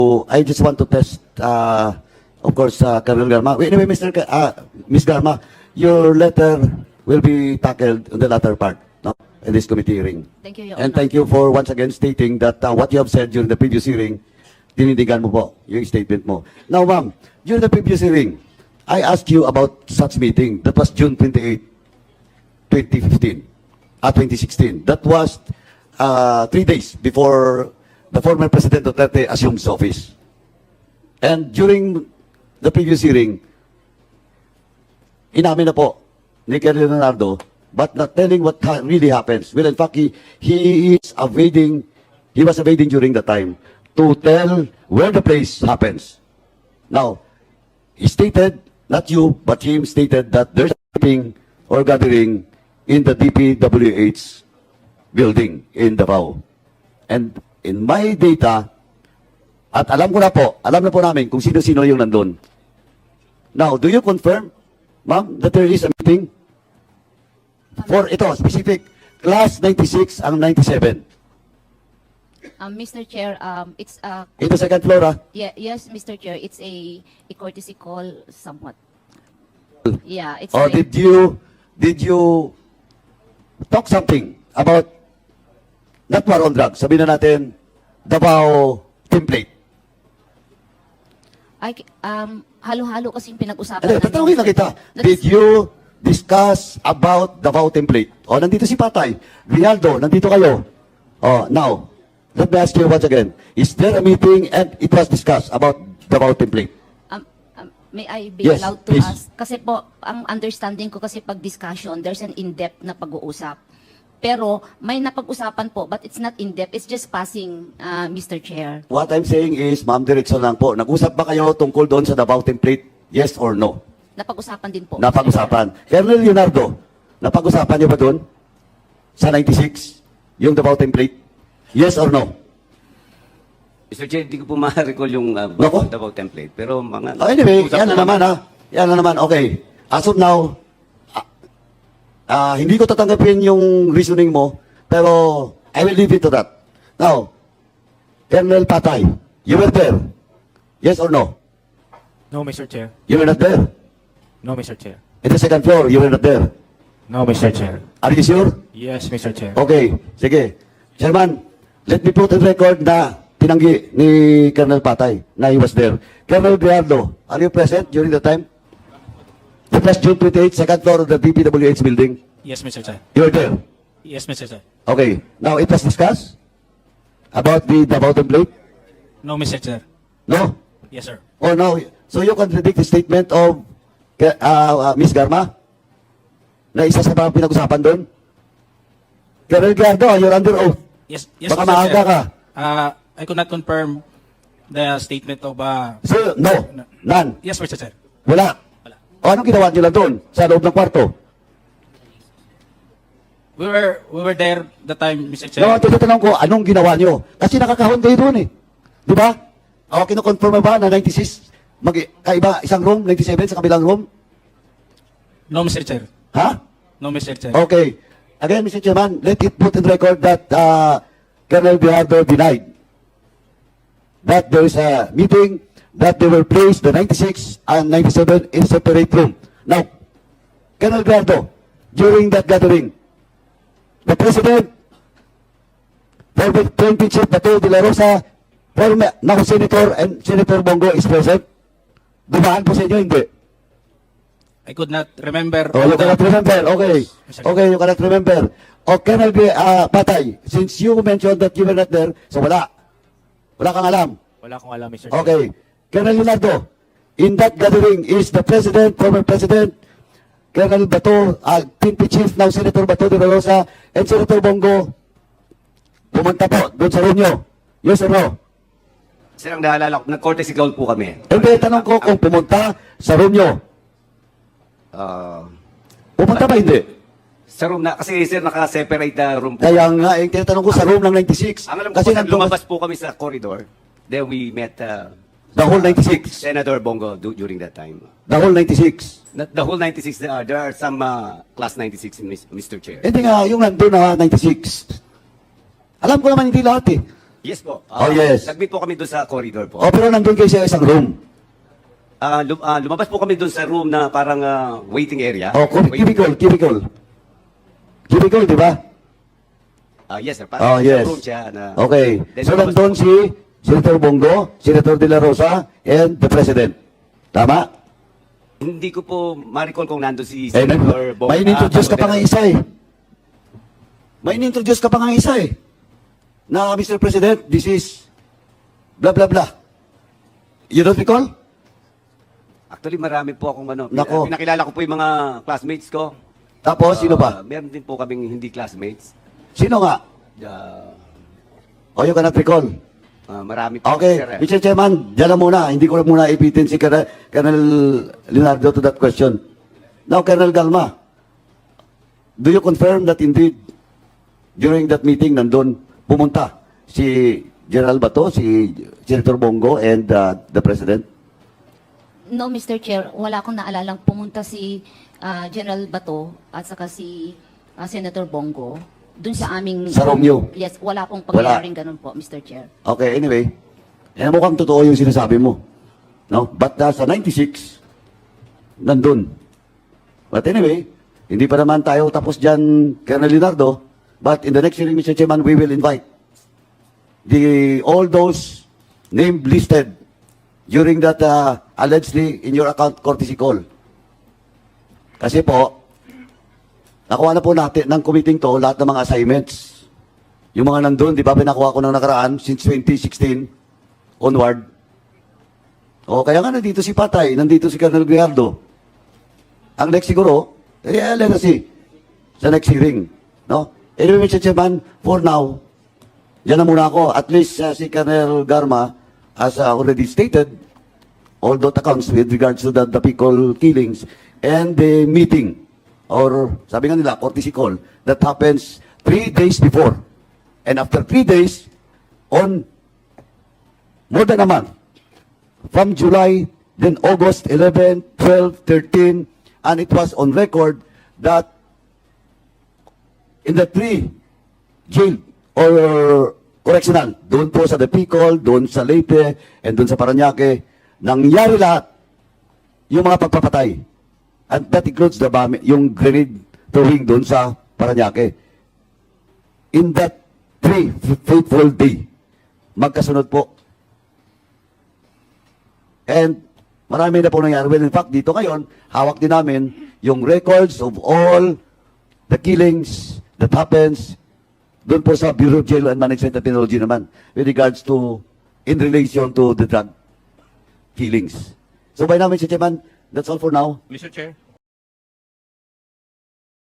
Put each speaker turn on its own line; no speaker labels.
I just want to test, of course, Colonel Garma. Anyway, Ms. Garma, your letter will be tackled in the latter part, no, in this committee hearing.
Thank you, Your
And
Honor.
thank you for once again stating that what you have said during the previous hearing, dinindigan mo po yung statement mo. Now, ma'am, during the previous hearing, I asked you about such meeting. That was June 28, 2015, 2016. That was 3 days before the former President Duterte assumed his office. And during the previous hearing, inamin na po ni Colonel Leonardo, but not telling what really happens. Well, in fact, he was evading during the time to tell where the place happens. Now, he stated, not you, but him stated that there's a meeting or gathering in the DPWH building in Davao. And in my data, at alam na po namin kung sino-sino yung nandun. Now, do you confirm, ma'am, that there is a meeting? For ito, specific, class 96 ang 97.
Mr. Chair, it's
Ito second floor, ah.
yes, Mr. Chair, it's a courtesy call somewhat. Yeah, it's
Or did you talk something about not war on drugs? Sabihin na natin, Davao template.
Halo-halo kasi yung pinag-usapan
Ano, tatanungin na kita. Did you discuss about Davao template? O, nandito si Patay. Rialdo, nandito kayo. O, now, let me ask you once again. Is there a meeting and it was discussed about Davao template?
May I be
Yes,
allowed to
please.
ask? Kasi po, ang understanding ko kasi pag discussion, there's an in-depth na pag-uusap. Pero may napag-usapan po, but it's not in-depth. It's just passing, Mr. Chair.
What I'm saying is, ma'am, diretso lang po. Nag-usap ba kayo tungkol doon sa Davao template? Yes or no?
Napag-usapan din po.
Napag-usapan. Colonel Leonardo, napag-usapan niyo ba doon? Sa 96? Yung Davao template? Yes or no?
Mr. Chair, hindi ko po ma-recall yung
Nako.
Davao template. Pero mga...
Oh, anyway, yan na naman, ha? Yan na naman. Okay. As of now, hindi ko tatanggapin yung reasoning mo, pero I will leave it to that. Now, Colonel Patay, you were there? Yes or no?
No, Mr. Chair.
You were not there?
No, Mr. Chair.
In the second floor, you were not there?
No, Mr. Chair.
Are you sure?
Yes, Mr. Chair.
Okay, sige. Chairman, let me put in record na tinanggi ni Colonel Patay na he was there. Colonel Briardo, are you present during the time? It was June 28, second floor of the DPWH building.
Yes, Mr. Chair.
You were there?
Yes, Mr. Chair.
Okay. Now, it was discussed about the Davao template?
No, Mr. Chair.
No?
Yes, sir.
Or no? So you contradict the statement of Ms. Garma? Na isa sa mga pinag-usapan doon? Colonel Briardo, you're under oath.
Yes, yes,
Baka
Mr.
maaga
Chair.
ka.
I could not confirm the statement of...
So, no? None?
Yes, Mr. Chair.
Wala?
Wala.
O anong ginawa nyo lang doon? Sa loob ng kwarto?
We were there the time, Mr. Chair.
No, tinatanong ko, anong ginawa nyo? Kasi nakakahon kayo doon eh. Di ba? O, kinukonfirm mo ba na 96, kaiba isang room, 97 sa kabilang room?
No, Mr. Chair.
Ha?
No, Mr. Chair.
Okay. Again, Mr. Chairman, let it put in record that Colonel Briardo denied that there is a meeting, that they will place the 96 and 97 in separate room. Now, Colonel Briardo, during that gathering, the President, former PNP Chief Bato de la Rosa, former now Senator and Senator Bongo is present. Dumaan po sa inyo, hindi?
I could not remember...
Oh, you cannot remember. Okay. Okay, you cannot remember. O, Colonel Patay, since you mentioned that you were not there, so wala. Wala kang alam.
Wala akong alam, Mr. Chair.
Okay. Colonel Leonardo, in that gathering, is the President, former President, Colonel Bato, PNP Chief, now Senator Bato de la Rosa, and Senator Bongo, pumunta po doon sa room nyo. Yes or no?
Sir, ang naalala ko, nag-courtesy call po kami.
Hindi, tanong ko kung pumunta sa room nyo. Pumunta ba hindi?
Sa room na, kasi sir, naka-separate na room po.
Kaya nga, tinatanong ko sa room ng 96.
Ang alam ko
Kasi
po, sir,
nandun
lumabas po kami sa corridor. Then we met
the whole 96.
Senator Bongo during that time.
The whole 96.
Not the whole 96, there are some class 96 in Mr. Chair.
Hindi nga, yung nandun na 96. Alam ko naman hindi lahat eh.
Yes po.
Oh, yes.
Nag-meet po kami doon sa corridor po.
O, pero nandun kayo sa isang room.
Lumabas po kami doon sa room na parang waiting area.
O, cubicle. Cubicle, di ba?
Yes, sir.
Oh,
Parang
yes.
room siya na...
Okay.
Then
So,
lumabas
nandun
po-
si Senator Bongo, Senator De La Rosa, and the President. Tama?
Hindi ko po ma-recall kung nandun si
Eh,
Senator Bongo.
may in-introduce ka pa nga isa eh. May in-introduce ka pa nga isa eh. Na, Mr. President, this is blah, blah, blah. You don't recall?
Actually, marami po akong ano.
Nako.
Pinakilala ko po yung mga classmates ko.
Tapos, sino pa?
Meron din po kaming hindi classmates.
Sino nga? O, you cannot recall.
Marami po.
Okay,
sir, eh.
Mr. Chairman, dyan na muna. Hindi ko na muna ipitin si Colonel Leonardo to that question. Now, Colonel Galma, do you confirm that indeed, during that meeting, nandun, pumunta si General Bato, si Senator Bongo, and the President?
No, Mr. Chair, wala akong naalalang pumunta si General Bato at saka si Senator Bongo dun sa aming...
Sa room niyo?
Yes, wala pong pangyayaring ganun po, Mr. Chair.
Okay, anyway, mukhang totoo yung sinasabi mo. No? But sa 96, nandun. But anyway, hindi pa naman tayo tapos dyan, Colonel Leonardo. But in the next hearing, Mr. Chairman, we will invite all those named listed during that allegedly in your account courtesy call. Kasi po, nakuha na po natin ng committee to lahat ng mga assignments. Yung mga nandun, di ba, pinakuha ko ng nakaraan since 2016 onward. O, kaya nga nandito si Patay, nandito si Colonel Grijaldo. Ang next siguro, let us see, sa next hearing. No? Anyway, Mr. Chairman, for now, dyan na muna ako. At least si Colonel Garma, as already stated, all those accounts with regards to the Picol killings and the meeting, or sabi nga nila, courtesy call, that happens 3 days before. And after 3 days, on more than a month, from July, then August 11, 12, 13, and it was on record that in the 3 jail or correctional, doon po sa Picol, doon sa Leyte, and doon sa Parañaque, nangyari lahat yung mga pagpapatay. And that includes yung grenade throwing doon sa Parañaque. In that 3 fateful day, magkasunod po. And marami na po nangyari. Well, in fact, dito ngayon, hawak din namin yung records of all the killings that happens doon po sa Bureau of Jail and Management Technology naman with regards to, in relation to the drug killings. So by now, Mr. Chairman, that's all for now.
Mr. Chair.